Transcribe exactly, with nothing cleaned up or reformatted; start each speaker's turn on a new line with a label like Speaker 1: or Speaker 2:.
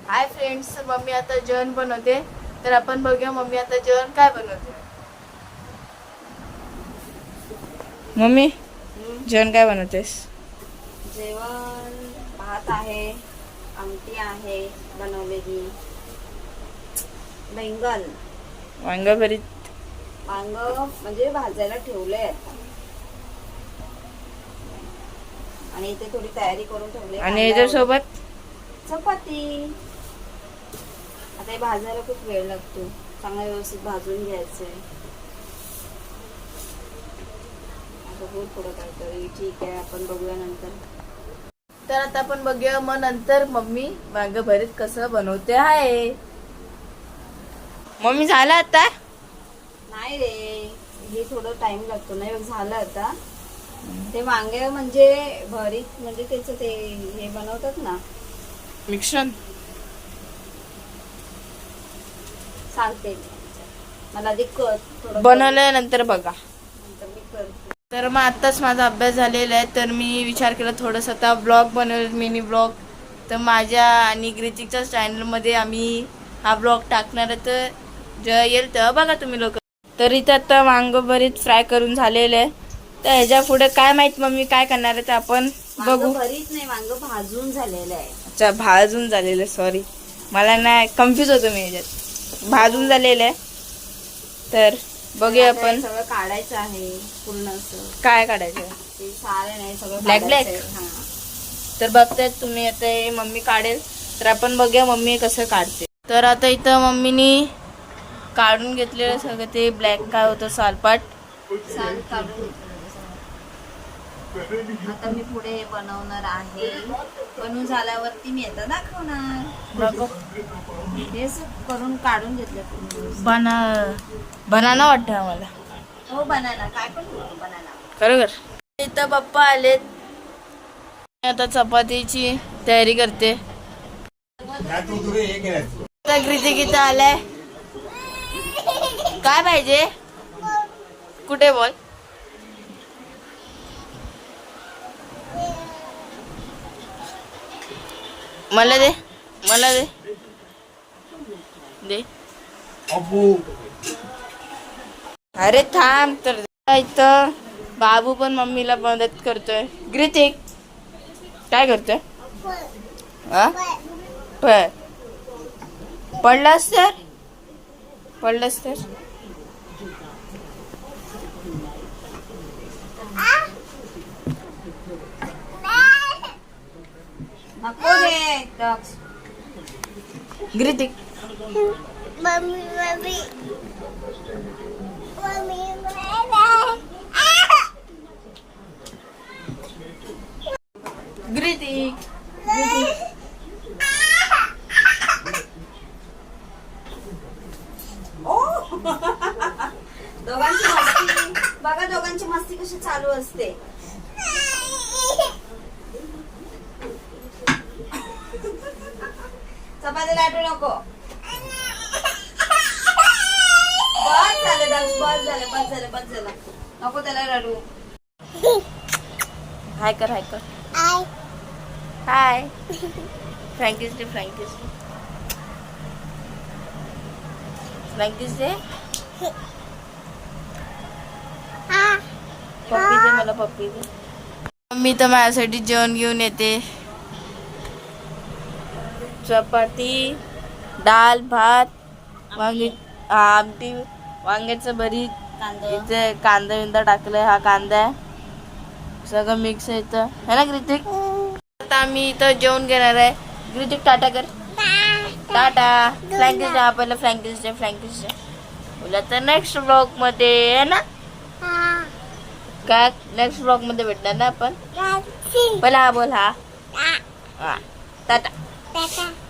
Speaker 1: Hi friends, mummy आता जेवण बनवते. तर आपण बघूया मम्मी आता जेवण काय बनवते. मम्मी जेवण काय बनवतेस?
Speaker 2: जेवण भात आहे, आमटी आहे बनवलेली, बैंगन
Speaker 1: वांग भरीत.
Speaker 2: वांग म्हणजे भाजायला ठेवले आता आणि इथे थोडी तयारी करून ठेवली.
Speaker 1: आणि याच्या सोबत
Speaker 2: चपाती. आता हे भाजायला खूप वेळ लागतो, चांगला व्यवस्थित भाजून घ्यायचंय. बघू थोडं काहीतरी. ठीक आहे, आपण बघूया नंतर.
Speaker 1: तर आता आपण बघूया मग नंतर मम्मी वांग भरीत कसं बनवते आहे. मम्मी झालं आता?
Speaker 2: नाही रे, हे थोडं टाइम लागतो ना. झालं आता. ते वांगे म्हणजे भरीत म्हणजे त्याचं ते हे बनवतात ना,
Speaker 1: मिश्रण.
Speaker 2: सांगते मला आधी कर थोडं
Speaker 1: बनवल्यानंतर बघा.
Speaker 2: नंतर मी करते.
Speaker 1: तर मग आत्ताच माझा अभ्यास झालेला आहे. तर मी विचार केला थोडंसं आता ब्लॉग बनवेल, मिनी ब्लॉग. तर माझ्या आणि ग्रितिकच्या चॅनलमध्ये आम्ही हा ब्लॉग टाकणार आहे. तर जेव्हा येईल तेव्हा बघा तुम्ही लोक. तर इथं आता वांग भरीत फ्राय करून झालेलं आहे. तर ह्याच्या पुढे काय माहित मम्मी काय करणार आहे ते आपण बघू.
Speaker 2: भरीत नाही, वांग भाजून झालेलं आहे.
Speaker 1: अच्छा, भाजून झालेलं. सॉरी, मला नाही, कन्फ्यूज होतो मी ह्याच्यात. भाजून झालेलं आहे. तर बघूया आपण.
Speaker 2: सगळं काढायचं आहे पूर्ण असं.
Speaker 1: काय काढायचं?
Speaker 2: ते सारे नाही, सगळं
Speaker 1: ब्लॅक ब्लॅक.
Speaker 2: हा.
Speaker 1: तर बघतायत तुम्ही आता हे मम्मी काढेल. तर आपण बघूया मम्मी कसं काढते. तर आता इथं मम्मीनी काढून घेतलेलं सगळं ते ब्लॅक काय होतं सालपाट.
Speaker 2: साल काढून घेतलं. आता मी पुढे हे बनवणार आहे. बनवून झाल्यावरती मी आता दाखवणार.
Speaker 1: बघू.
Speaker 2: हे करून काढून घेतलं.
Speaker 1: बना बनाना वाटतं आम्हाला.
Speaker 2: हो, बनाना. काय पण बनाना.
Speaker 1: खरोखर. इथं पप्पा आलेत. आता चपातीची तयारी करते. कृतिक इथं आलाय. काय पाहिजे? कुठे बोल. मला दे, मला दे दे. अरे थांब. तर इथं बाबू पण मम्मीला मदत करतोय. ग्रितिक काय करतोय? हा, पळ. पडलास तर पडलास तर
Speaker 2: नको रे.
Speaker 1: Gritik.
Speaker 3: Mummy mummy mummy
Speaker 1: Gritik.
Speaker 2: दोघांची मस्ती बघा, दोघांची मस्ती कशी चालू असते. चपाती लाटू नको. बस झालं दक्ष, बस झालं, बस झालं, बस झालं. नको त्याला रडू.
Speaker 1: हाय कर, हाय कर.
Speaker 3: आय
Speaker 1: हाय. फ्रँकीस डे, फ्रँकीस डे, फ्रँकीस डे. पप्पी दे मला, पप्पी दे. मम्मी तर माझ्यासाठी जेवण घेऊन येते. चपाती, डाळ, भात, वांगी आमटी, वांग्याचं भरीत,
Speaker 2: कांदा.
Speaker 1: इथे कांदा बिंदा टाकलाय. हा कांदा आहे, सगळं मिक्स आहे इथं, है ना ग्रितिक? आता आम्ही इथं जेवण घेणार आहे. ग्रितिक टाटा कर. टाटा. फ्रँकीस डे. आपल्याला फ्रँकीस डे, फ्रँकीस डे बोला. तर नेक्स्ट ब्लॉग मध्ये आहे ना काय, नेक्स्ट ब्लॉग मध्ये भेटणार ना आपण. पहिला हा बोल. हा, हा. टाटा.
Speaker 3: टाटा.